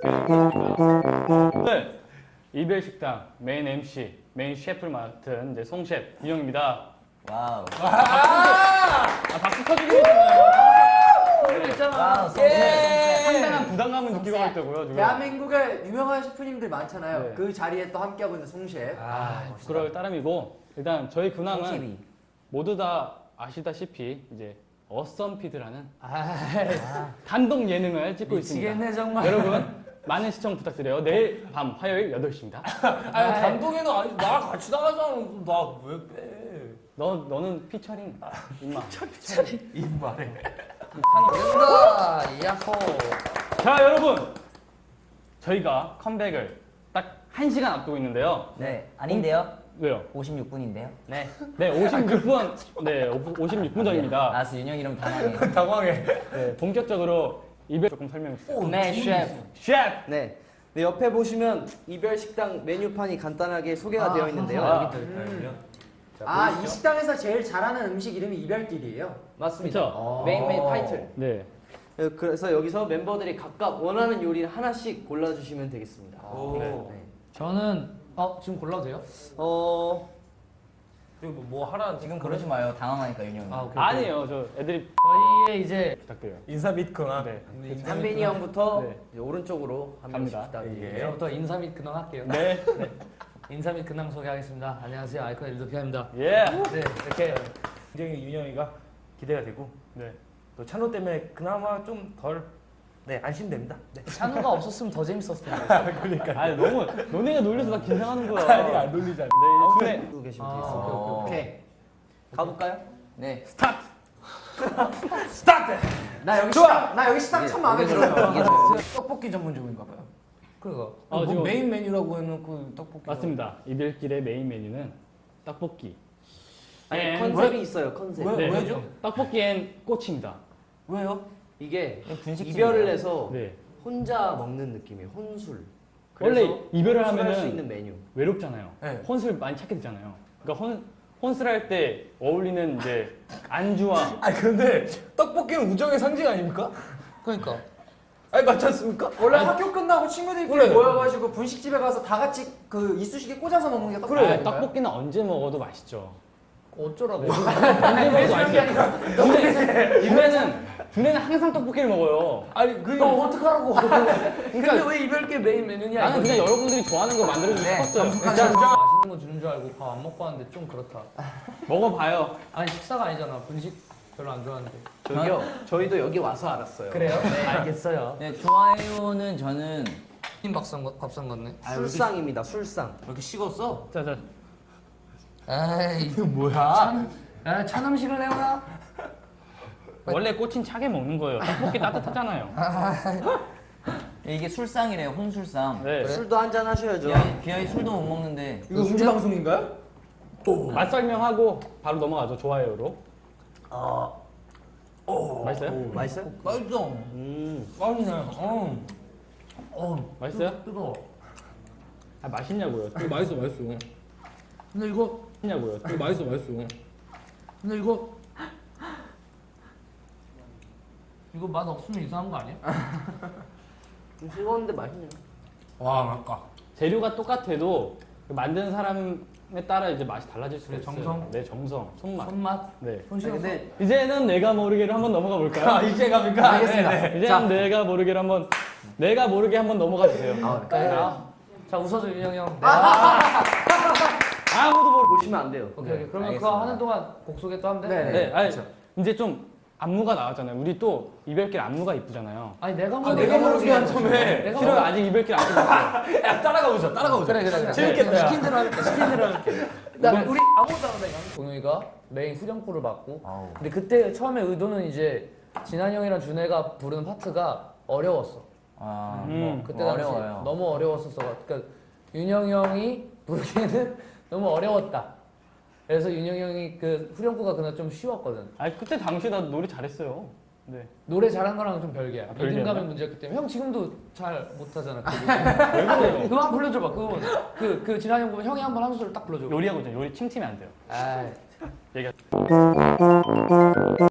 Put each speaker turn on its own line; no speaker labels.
네, 이별식당 메인 MC, 메인 셰프를 맡은 이제 송 셰프 윤영입니다.
와우.
박수 쳐주고 있잖아요.
와우.
상당한 부담감을 느끼고 있다고요 지금.
대한민국에 유명한 셰프님들 많잖아요.
네.
그 자리에 또 함께하고 있는 송셰프.
부끄러울 따름이고 일단 저희 근황은
송셰프.
모두 다 아시다시피 이제 어썸피드라는 단독 예능을 찍고 있습니다.
미치겠네 정말.
여러분 많은 시청 부탁드려요. 내일 밤 화요일 8시입니다.
아니 단독에는 아니 나랑 같이 나가잖아. 나 왜 빼?
너는 피처링 임마.
입말해.
된다. 야호.
자 여러분 저희가 컴백을 딱 1시간 앞두고 있는데요.
네, 아닌데요.
왜요?
56분인데요.
네 56분 네 56분 전입니다.
알았어, 윤영 이름 당황해.
당황해.
네, 본격적으로 이별 조금 설명해 주세요.
네, 셰프.
셰프.
네. 네, 옆에 보시면 이별 식당 메뉴판이 간단하게 소개가 되어 있는데요.
이 식당에서 제일 잘하는 음식 이름이 이별길이에요.
맞습니다.
그렇죠?
메인 타이틀.
네.
그래서 여기서 멤버들이 각각 원하는 요리를 하나씩 골라주시면 되겠습니다.
네.
저는 지금 골라도 돼요? 그리고 뭐 하라는
지금 그러지 마요. 당황하니까 윤영이.
아니에요. 저 애들이
저희의 이제
부탁드려요.
인사 및 근황.
네.
한빈이 형부터
네.
이제 오른쪽으로 한 명씩
갑니다.
부탁드릴게요.
이제부터 인사 및 근황 할게요.
네.
인사 및 근황 소개하겠습니다. 안녕하세요, 아이콘 일도피아입니다.
예.
네, 이렇게 굉장히 윤영이가 기대가 되고
네.
또 찬호 때문에 그나마 좀 덜 안심됩니다. 네.
찬우가 없었으면 더 재밌었을 텐데.
그러니까.
아 너무 너네가 놀려서 나 긴장하는 거야.
아니 안 놀리잖아.
네, 이제
두고 계시면
아,
되겠습니다.
오케이.
가볼까요?
네.
스타트.
나 여기 식당 참 마음에 들어요. 떡볶이 전문점인가 봐요.
그거.
뭐 지금-
메인 메뉴라고 해놓고 떡볶이.
맞습니다. 이별길의 메인 메뉴는 떡볶이.
아니,
앤-
컨셉이 있어요, 컨셉.
왜?
네.
왜죠?
떡볶이 앤 꼬치입니다.
왜요?
이게
분식집이에요.
이별을 해서
네.
혼자 먹는 느낌이에요, 혼술.
원래
그래서
이별을
혼술할
하면은
수 있는 메뉴.
외롭잖아요.
네.
혼술 많이 찾게 되잖아요. 그러니까 혼술할 때 어울리는 이제 안주와
아니 근데 떡볶이는 우정의 상징 아닙니까?
그러니까.
아니 맞지 않습니까?
원래 학교 끝나고 친구들끼리
그래.
모여가지고 분식집에 가서 다 같이 그 이쑤시개 꽂아서 먹는 게 떡볶이
그래
아닌가요?
떡볶이는 언제 먹어도 맛있죠.
어쩌라고?
언제 먹어도 맛있어. 준혜는 항상 떡볶이를 먹어요.
아니
너 어떡하라고?
근데 왜 이별게 메인 메뉴냐?
나는 그냥 여러분들이 좋아하는 거 만들어주고 싶었어요.
맛있는 거 주는 줄 알고 밥 안 먹고 왔는데 좀 그렇다.
먹어봐요.
아니 식사가 아니잖아. 분식 별로 안 좋아하는데.
저기요, 저희도 여기 와서 알았어요.
그래요? 네 알겠어요.
네, 좋아요는 저는
흰 밥상 같네.
술상입니다, 술상.
왜 이렇게 식었어?
자자.
에이 이거 뭐야? 찬 음식을 내오나?
원래 꼬친 차게 먹는 거예요. 떡볶이 따뜻하잖아요.
이게 술상이래요. 혼술상.
네.
술도 한잔 하셔야죠.
비아이 술도 못 먹는데.
이거 음주 방송인가요?
맛 설명하고 바로 넘어가죠. 좋아요로. 맛있어요?
맛있어요?
맛있어. 맛있네.
맛있어요?
뜨거워.
아 맛있냐고요.
맛있어. 근데 이거
맛있냐고요.
맛있어. 근데 이거 맛 없으면 이상한 거 아니야?
좀 싱거운데 맛있네요.
와 맛까.
재료가 똑같아도 그 만드는 사람에 따라 이제 맛이 달라질 수가
그래,
있어요.
정성?
네, 정성, 손맛.
손맛.
네.
손실없어.
근데
이제는 내가 모르게로 한번 넘어가 볼까요?
이제 갑니까?
알겠습니다.
이제는 내가 모르게로 한번 내가 모르게 한번 넘어가 주세요.
자 웃어줘 윤영이 형.
아무도 모르.
보시면 안 돼요.
오케이. 그러면
알겠습니다.
그거 하는 동안 곡 소개 또 하면 돼?
네.
네, 아니 이제 좀 안무가 나왔잖아요. 우리 또 이별길 안무가 이쁘잖아요.
아니 내가
내가 모르게 한
처음에.
싫어요. 아직 이별길 안 끝났어요.
야 따라가보자. 그래.
재밌겠다.
시킨 대로 할게. 나 우리 아무것도 안 해. 동영이가 메인 후렴구를 맡고. 근데 그때 처음에 의도는 이제 진한 형이랑 준혜가 부르는 파트가 어려웠어. 그때 당시
어려워요.
너무 어려웠었어. 그러니까 윤영이 형이 부르기에는 너무 어려웠다. 그래서 윤영이 형이 그 후렴구가 그날 좀 쉬웠거든.
아니 그때 당시 나 노래 잘했어요. 네.
노래 잘한 거랑 좀 별개야.
별개였나?
리듬감의 문제였기 때문에 형 지금도 잘 못하잖아.
왜 그래요?
그거 한번 불러줘봐. 그거 그 진한 형 보면 형이 한번 한 소절 딱 불러줘.
요리하고 있잖아요. 요리 침팀이 안 돼요.
아,
얘기.